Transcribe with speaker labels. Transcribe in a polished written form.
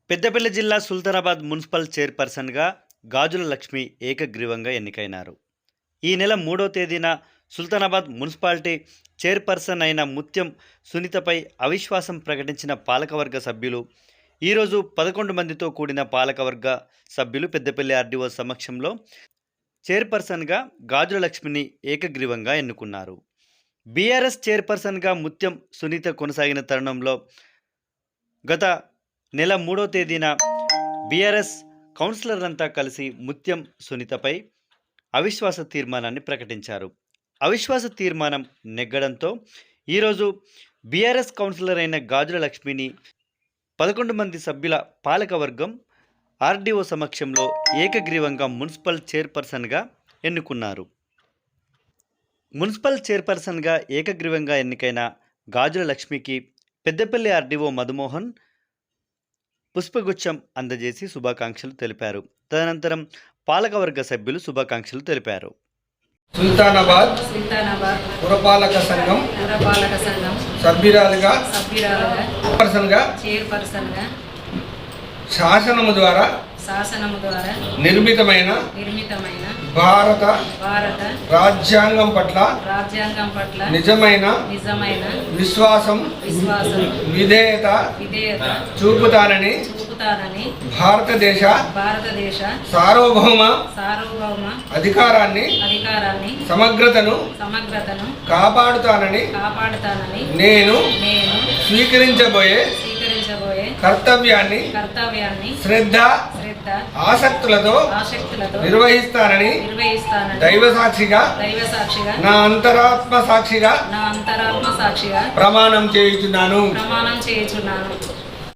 Speaker 1: పెద్దపల్లి జిల్లా సుల్తానాబాద్ మున్సిపల్ చైర్పర్సన్గా గాజుల లక్ష్మి ఏకగ్రీవంగా ఎన్నికైనారు. ఈ నెల 3వ తేదీన సుల్తానాబాద్ మున్సిపాలిటీ చైర్పర్సన్ అయిన ముత్యం సునీతపై అవిశ్వాసం ప్రకటించిన పాలకవర్గ సభ్యులు ఈరోజు 11 మందితో కూడిన పాలకవర్గ సభ్యులు పెద్దపల్లి ఆర్డీఓ సమక్షంలో చైర్పర్సన్గా గాజుల లక్ష్మిని ఏకగ్రీవంగా ఎన్నుకున్నారు. బీఆర్ఎస్ చైర్పర్సన్గా ముత్యం సునీత కొనసాగిన తరుణంలో గత నెల 3వ తేదీన బీఆర్ఎస్ కౌన్సిలర్లంతా కలిసి ముత్యం సునీతపై అవిశ్వాస తీర్మానాన్ని ప్రకటించారు. అవిశ్వాస తీర్మానం నెగ్గడంతో ఈరోజు బీఆర్ఎస్ కౌన్సిలర్ అయిన గాజుల లక్ష్మిని 11 మంది సభ్యుల పాలకవర్గం ఆర్డీఓ సమక్షంలో ఏకగ్రీవంగా మున్సిపల్ చైర్పర్సన్గా ఎన్నుకున్నారు. మున్సిపల్ చైర్పర్సన్గా ఏకగ్రీవంగా ఎన్నికైన గాజుల లక్ష్మికి పెద్దపల్లి ఆర్డీఓ మధుమోహన్ పుష్పగుచ్చం అందజేసి శుభాకాంక్షలు తెలిపారు. తదనంతరం పాలకవర్గ సభ్యులు శుభాకాంక్షలు తెలిపారు.
Speaker 2: సుల్తానాబాద్ పురపాలక సంఘం సభ్యురాలుగా చైర్పర్సన్గా శాసనము ద్వారా నిర్మితమైన భారత రాజ్యాంగం పట్ల నిజమైన విశ్వాసం విధేయత చూపుతానని భారతదేశ సార్వభౌమ అధికారాన్ని సమగ్రతను కాపాడుతానని నేను స్వీకరించబోయే కర్తవ్యాన్ని శ్రద్ధ ఆసక్తులతో నిర్వహిస్తానని దైవ సాక్షిగా నా అంతరాత్మ సాక్షిగా ప్రమాణం చేయుచున్నాను.